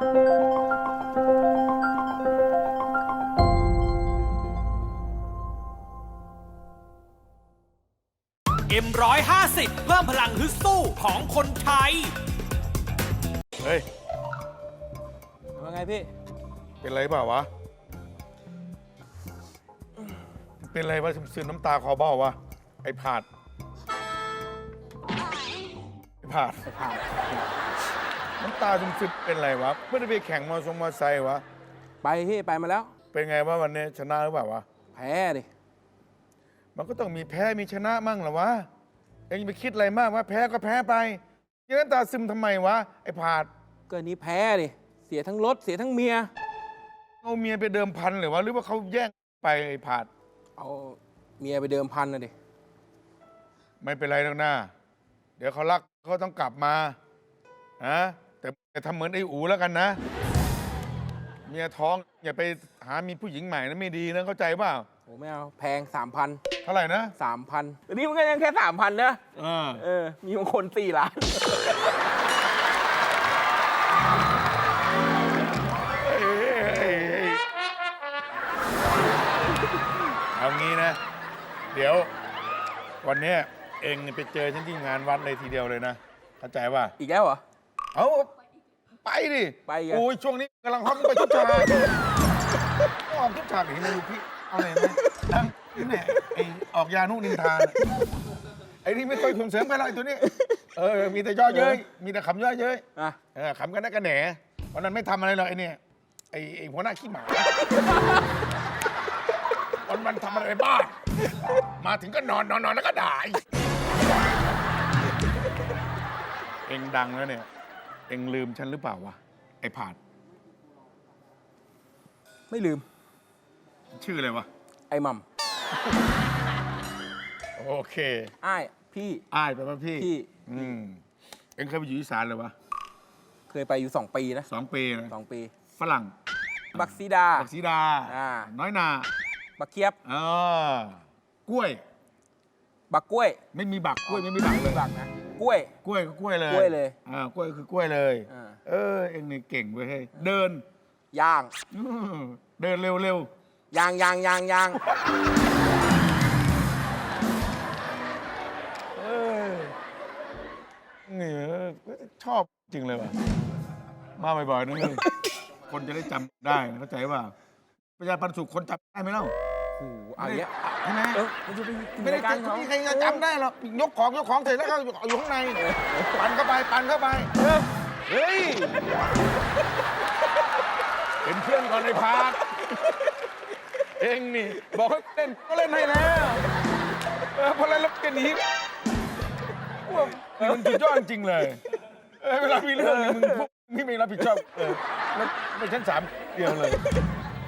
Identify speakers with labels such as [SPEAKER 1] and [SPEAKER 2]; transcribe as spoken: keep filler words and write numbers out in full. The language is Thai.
[SPEAKER 1] เอ็มร้อยห้าสิบเพิ่มพลังฮึดสู้ของคนไทย
[SPEAKER 2] เฮ้ย
[SPEAKER 3] ว่าไงพี่
[SPEAKER 2] เป็นไรเปล่าวะ เป็นไรวะซึมๆน้ำตาคอเบ้าวะ ไอ้ผาด ไอ้ผาด น้ำตาซึมๆเป็นไรวะ ไม่ได้ไปแข่งมอทรงมอไซค์วะ
[SPEAKER 3] ไปพี่ไปมาแล้ว
[SPEAKER 2] เป็นไงวะวันนี้ชนะหรือเปล่าวะ
[SPEAKER 3] แพ้ดิ
[SPEAKER 2] มันก็ต้องมีแพ้มีชนะมั่งเหรอวะ เองไปคิดอะไรมากวะแพ้ก็แพ้ไปยังน้ำตาซึมทำไมวะ ไอ้ผาด
[SPEAKER 3] ก็นี้แพ้ดิ เสียทั้งรถเสียทั้งเมีย
[SPEAKER 2] เอาเมียไปเดิมพันหรือวะ หรือว่าเขาแย่งไปไอ้ผาด
[SPEAKER 3] เอาเมียไปเดิมพันนะดิ
[SPEAKER 2] ไม่เป็นไรหรอกนะเดี๋ยวเขารักเขาต้องกลับมานะแต่อย่าทำเหมือนไอ้อูแล้วกันนะ เมียท้องอย่าไปหามีผู้หญิงใหม่นะไม่ดีนะเข้าใจเปล่า
[SPEAKER 3] โอ้ไม่เอาแพงสามพัน
[SPEAKER 2] เท่าไหร่นะ
[SPEAKER 3] สามพันแต่นี่มันก็ยังแค่สามพันนะ
[SPEAKER 2] เออ
[SPEAKER 3] เออ มีบางคนสี่ล้าน
[SPEAKER 2] เอางี้นะ เดี๋ยววันเนี้ยเองไปเจอฉันที่งานวัดเลยทีเดียวเลยนะเข้าใจป่ะ
[SPEAKER 3] อีกแล้วเหรอ
[SPEAKER 2] เอาไปดิ
[SPEAKER 3] ไปอีกอะ
[SPEAKER 2] โอ้ยช่วงนี้กำลังฮอตไปทุกฉากออกทุกฉากเห็นไหมลูกพี่เอาไหนไหมดังนี่แหละไอออกยานุนินทานไอ้นี่ไม่ค่อยส่งเสริมกันหรอกไอ้ตัวนี้เออมีแต่ย่อเย้ยมีแต่ขำย่อเย้ย
[SPEAKER 3] อ่ะ
[SPEAKER 2] เออขำกันนักกันแหนวันนั้นไม่ทำอะไรหรอกไอ้เนี่ยไอ้ไอ้หัวหน้าขี้หมาวันมันทำอะไรบ้ามาถึงก็นอนนอนนอนแล้วก็ด่าอีกเองดังแล้วเนี่ยเองลืมฉันหรือเปล่าวะไอ้ผาด
[SPEAKER 3] ไม่ลืม
[SPEAKER 2] ชื่ออะไรวะ
[SPEAKER 3] ไอ้หมัม
[SPEAKER 2] โอเค
[SPEAKER 3] อ้ายพี่
[SPEAKER 2] อ้ายไปป่ะพี่
[SPEAKER 3] พี่
[SPEAKER 2] อืมเองเคยไปอยู่อีสานเลยวะ
[SPEAKER 3] เคยไปอยู่สองปีนะ
[SPEAKER 2] สองปีนะ
[SPEAKER 3] สองปี
[SPEAKER 2] ฝรั่ง
[SPEAKER 3] บักซีดา
[SPEAKER 2] บักสีดา
[SPEAKER 3] อ่า
[SPEAKER 2] น้อยนา
[SPEAKER 3] บักเคียบ
[SPEAKER 2] เออกล้วย
[SPEAKER 3] บักกล้วย
[SPEAKER 2] ไม่มีบักกล้วยไม่มีบักเลย
[SPEAKER 3] บักนะกล้วย
[SPEAKER 2] กล้วยก็กล้วยเลย
[SPEAKER 3] กล้วยเลย
[SPEAKER 2] อ่ากล้วยคือกล้วยเลย
[SPEAKER 3] อ่า
[SPEAKER 2] เออเอ็งนี่เก่งเว้ยเฮ้ยเดิน
[SPEAKER 3] ย่าง
[SPEAKER 2] อื้อเดินเร็วเร็วย
[SPEAKER 3] างยางยางยาง
[SPEAKER 2] เออนี่ชอบจริงเลยว่ะมาบ่อยๆนะเลยคนจะได้จำได้นะเข้าใจว่าประชาปันสุขคนจำได้ไหมเล่า
[SPEAKER 3] โอ้โหเอาอย่างเงี้ย
[SPEAKER 2] ใช่ไหม
[SPEAKER 3] เออมันจะไป
[SPEAKER 2] ไม่ได้
[SPEAKER 3] การ
[SPEAKER 2] จำ
[SPEAKER 3] เขา
[SPEAKER 2] ไม่มีใครจะจำได้หรอกยกของยกของเสร็จแล้วก็อยู่ข้างในปั่นเข้าไปปั่นเข้าไปเฮ้ยเป็นเพื่อนก่อนในพาร์ทเองนี่บอกให้เล่นก็เล่นให้แล้วเออพอเล่นแล้วก็หนีว่ามันสุดยอดจริงเลยเออเวลามีเรื่องนี่มึงพวกนี่ไม่รับผิดชอบเออแล้วไม่ชั้นสามเดียวเลย